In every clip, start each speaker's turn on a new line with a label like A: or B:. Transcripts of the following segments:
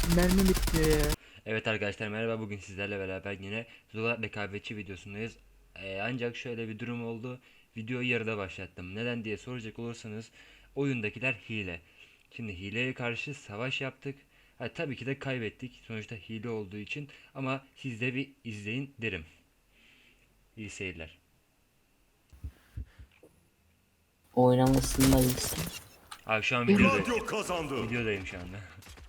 A: Mermi bitmiyor ya.
B: Evet arkadaşlar merhaba, bugün sizlerle beraber yine Zula rekabetçi videosundayız. Ancak şöyle bir durum oldu. Videoyu yarıda başlattım. Neden diye soracak olursanız oyundakiler hile. Şimdi hileye karşı savaş yaptık. Ha, tabii ki de kaybettik. Sonuçta hile olduğu için ama siz de bir izleyin derim. İyi seyirler.
C: Oynamasındayız.
B: Abi şu an
D: Gladio kazandı.
B: videodayım şu anda.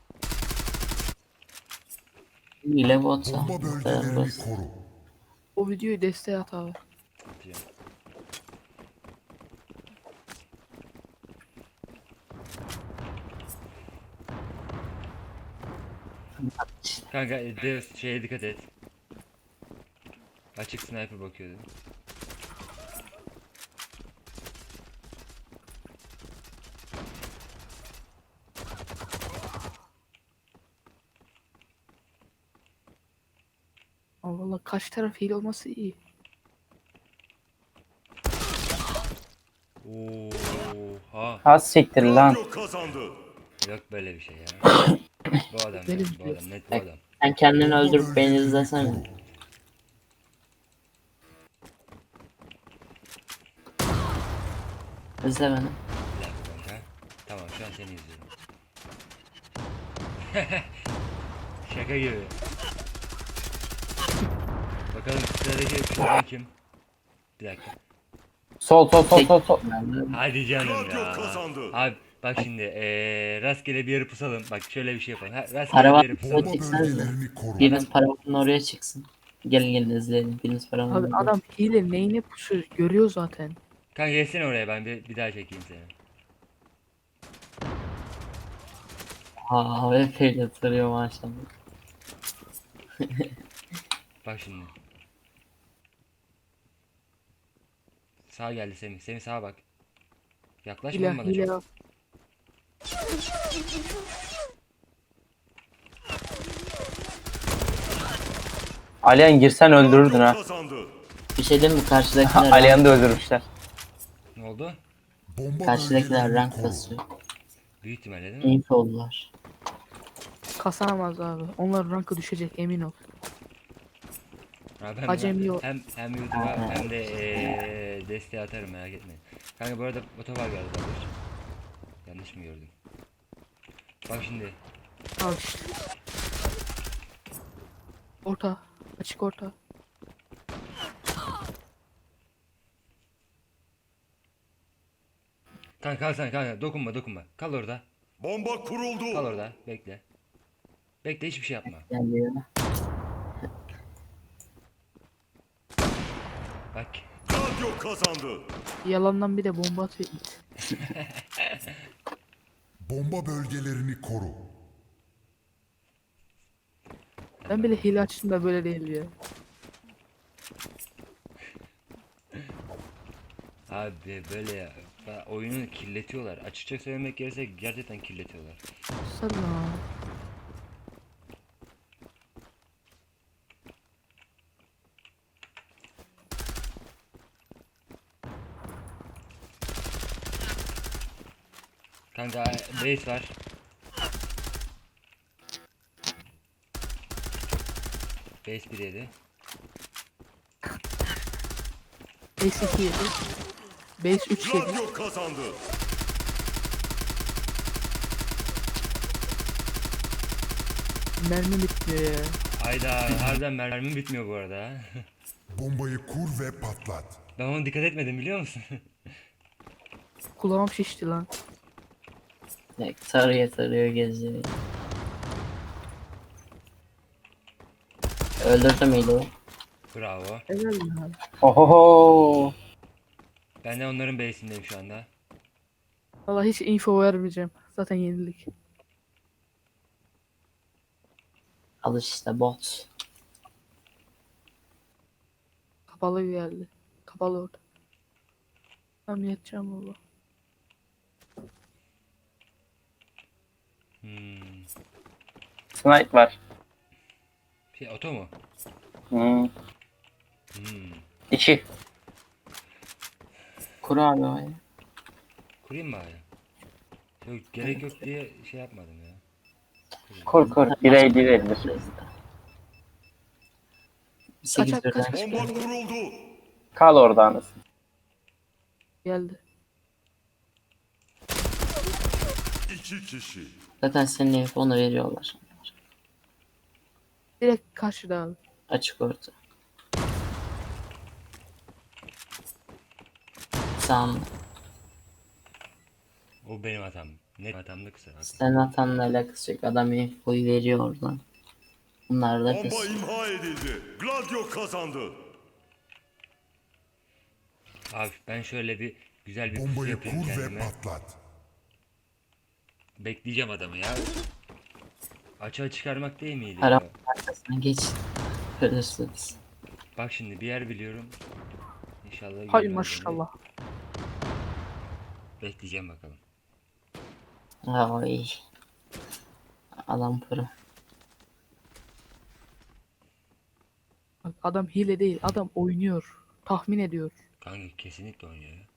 C: Hile botsa.
D: Bomba
C: Bu kadar
D: bölgelerini
C: basit.
D: koru.
A: O videoyu desteğe at abi.
B: Atacağım. Kanka Deus şeye dikkat et. Açık sniper bakıyordu.
A: Ama valla kaç taraf hile olması iyi.
B: Oha.
E: Az siktir lan.
D: Gladio kazandı.
B: Yok böyle bir şey ya. Bu adam
A: Benim
B: ya, bu
A: diyor.
B: adam net bu
C: Bak,
B: adam.
C: sen kendini
D: Bomba
C: öldürüp beni
D: bölgelerini
C: izlesene.
D: koru.
C: İzle beni.
B: Bir dakika kanka. Tamam şu an seni izliyorum. Şaka gibi. Bakalım sıradaki şuradan kim? Bir dakika.
E: Sol sol sol sol sol.
B: Hadi canım
D: Gladio
B: ya.
D: kazandı.
B: Abi bak şimdi rastgele bir yere pusalım. Bak şöyle bir şey yapalım. Ha, rastgele
C: Para
B: bir
C: var
B: yere
C: mı?
B: pusalım.
D: Bomba
C: Çeksenize.
D: bölgelerini koru.
C: Biriniz paravanın oraya çıksın. Gelin izleyelim. Biriniz paravanın
A: Abi
C: oraya.
A: adam hile neyine pusuyor görüyor zaten.
B: Kanka gelsene oraya, ben bir daha çekeyim seni.
C: Aa AWP'yle tarıyor maşallah.
B: Bak şimdi. Sağ geldi Semih. Semih sağa bak. Yaklaşma
A: Hile
B: oğlum bana
A: hile
B: çok.
A: yok.
E: Alihan girsen öldürürdün
D: Gladio
E: ha.
D: kazandı.
C: Bir şey diyeyim mi? Karşıdakiler
E: Alihan'ı da öldürmüşler.
B: Ne oldu?
D: Bomba
C: Karşıdakiler
D: bölgelerini
C: rank
D: koru.
C: basıyor.
B: Büyük ihtimalle değil mi?
C: Info oldular.
A: Kasanamaz abi. Onlar rankı düşecek emin ol.
B: Abi hem,
A: Acemi yok.
B: hem YouTube'a hem de desteği atarım, merak etmeyin. Kanka bu arada otobar geldi kardeş. Yanlış mı gördüm? Bak şimdi.
A: Al işte. Orta. Açık orta.
B: Kanka kal sen, kanka dokunma. Kal orada.
D: Bomba kuruldu.
B: Kal orada. Bekle. Bekle, hiçbir şey yapma.
C: Geliyor.
B: Bak.
D: Gladio kazandı.
A: Yalandan bir de bomba atıyor.
D: Bomba bölgelerini koru.
A: Ben bile hile açtım da böyle değil ya.
B: Abi böyle ya. Oyunu kirletiyorlar. Açıkça söylemek gerekirse gerçekten kirletiyorlar.
A: Sana.
B: Kanka base var. Base 1 yedi.
A: Base 2 yedi. Base 3 yedi.
D: Gladio kazandı.
A: Mermi bitmiyor ya.
B: Hayda, harbiden mermim bitmiyor bu arada. Ha.
D: Bombayı kur ve patlat.
B: Ben ona dikkat etmedim, biliyor musun?
A: Kulağım şişti lan.
C: Bak, tarıyor geziyor. Öldürdüm iyiliği.
B: Bravo.
A: Helal ya.
E: Ohoho.
B: Ben de onların base'indeyim şu anda.
A: Valla hiç info vermeyeceğim. Zaten yenilik.
C: Al işte bot.
A: Kapalı geldi. Kapalı orada. Tamam yatacağım baba.
E: Snipe var.
B: Şey, oto mu?
E: Hmm.
B: Hmm.
E: İki.
C: Kur abi orayı.
B: Kurayım mı abi? Yok, gerek yok diye şey yapmadım ya.
E: Kur kur. Birey verilir.
C: Biraz da. 8
A: Kaçak,
C: birden
A: kaç.
C: çıkıyor.
D: Bomba kuruldu.
E: Kal orada anasını.
A: Geldi.
D: 2 kişi.
C: Zaten senin F10'u veriyorlar.
A: Direkt karşıda abi.
C: Açık orta. Sağında.
B: O benim hatam. Net hatamdı, kusura bakma.
C: Senin hatanla alakası yok. Adam F'oyu veriyor oradan. Bunlar da
D: Bomba
C: kız.
D: imha edildi. Gladio kazandı.
B: Abi ben şöyle bir güzel bir pusu
D: Bombayı
B: yapayım
D: kur ve
B: kendime.
D: patlat.
B: Bekleyeceğim adamı ya. Açığa çıkarmak değil miydi
C: Arap
B: ya?
C: arkasına geç. Görürsünüz.
B: Bak şimdi bir yer biliyorum. İnşallah
A: Hay
B: görmez beni.
A: maşallah.
B: Bekleyeceğim bakalım.
C: Ay. Adam pro.
A: Bak, adam hile değil. Adam oynuyor. Tahmin ediyor.
B: Kanka kesinlikle oynuyor ya.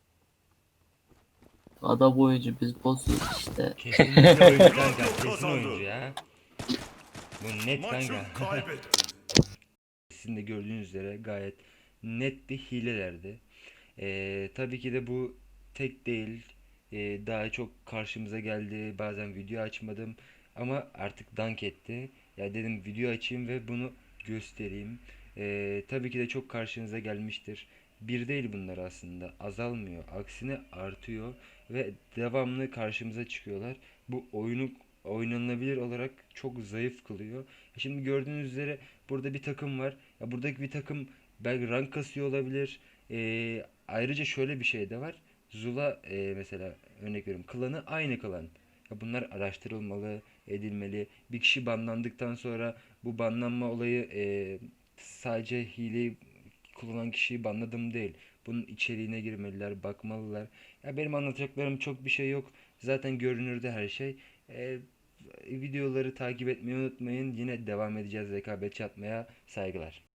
C: Adam oyuncu biz bozuyoruz işte.
B: Kesinlikle oyuncu kanka.
D: Gladio
B: Kesin
D: kazandı.
B: oyuncu ya. Bu net
D: Maçı
B: kanka.
D: kaybetti.
B: Sizin de gördüğünüz üzere gayet net bir hilelerdi. Tabii ki de bu tek değil. Daha çok karşımıza geldi. Bazen video açmadım. Ama artık dank etti. Ya dedim video açayım ve bunu göstereyim. Tabii ki de çok karşınıza gelmiştir. Bir değil bunlar aslında. Azalmıyor. Aksine artıyor. Ve devamlı karşımıza çıkıyorlar. Bu oyunu oynanabilir olarak çok zayıf kılıyor. Şimdi gördüğünüz üzere burada bir takım var. Ya buradaki bir takım belki rank kasıyor olabilir. Ayrıca şöyle bir şey de var. Zula mesela örnek veriyorum. Klanı aynı klan. Ya bunlar araştırılmalı, edilmeli. Bir kişi banlandıktan sonra bu banlanma olayı sadece hileyi kullanan kişiyi banladım değil. Bunun içeriğine girmeliler, bakmalılar. Ya benim anlatacaklarım çok bir şey yok. Zaten görünürde her şey. E, Videoları takip etmeyi unutmayın. Yine devam edeceğiz rekabetçi atmaya. Saygılar.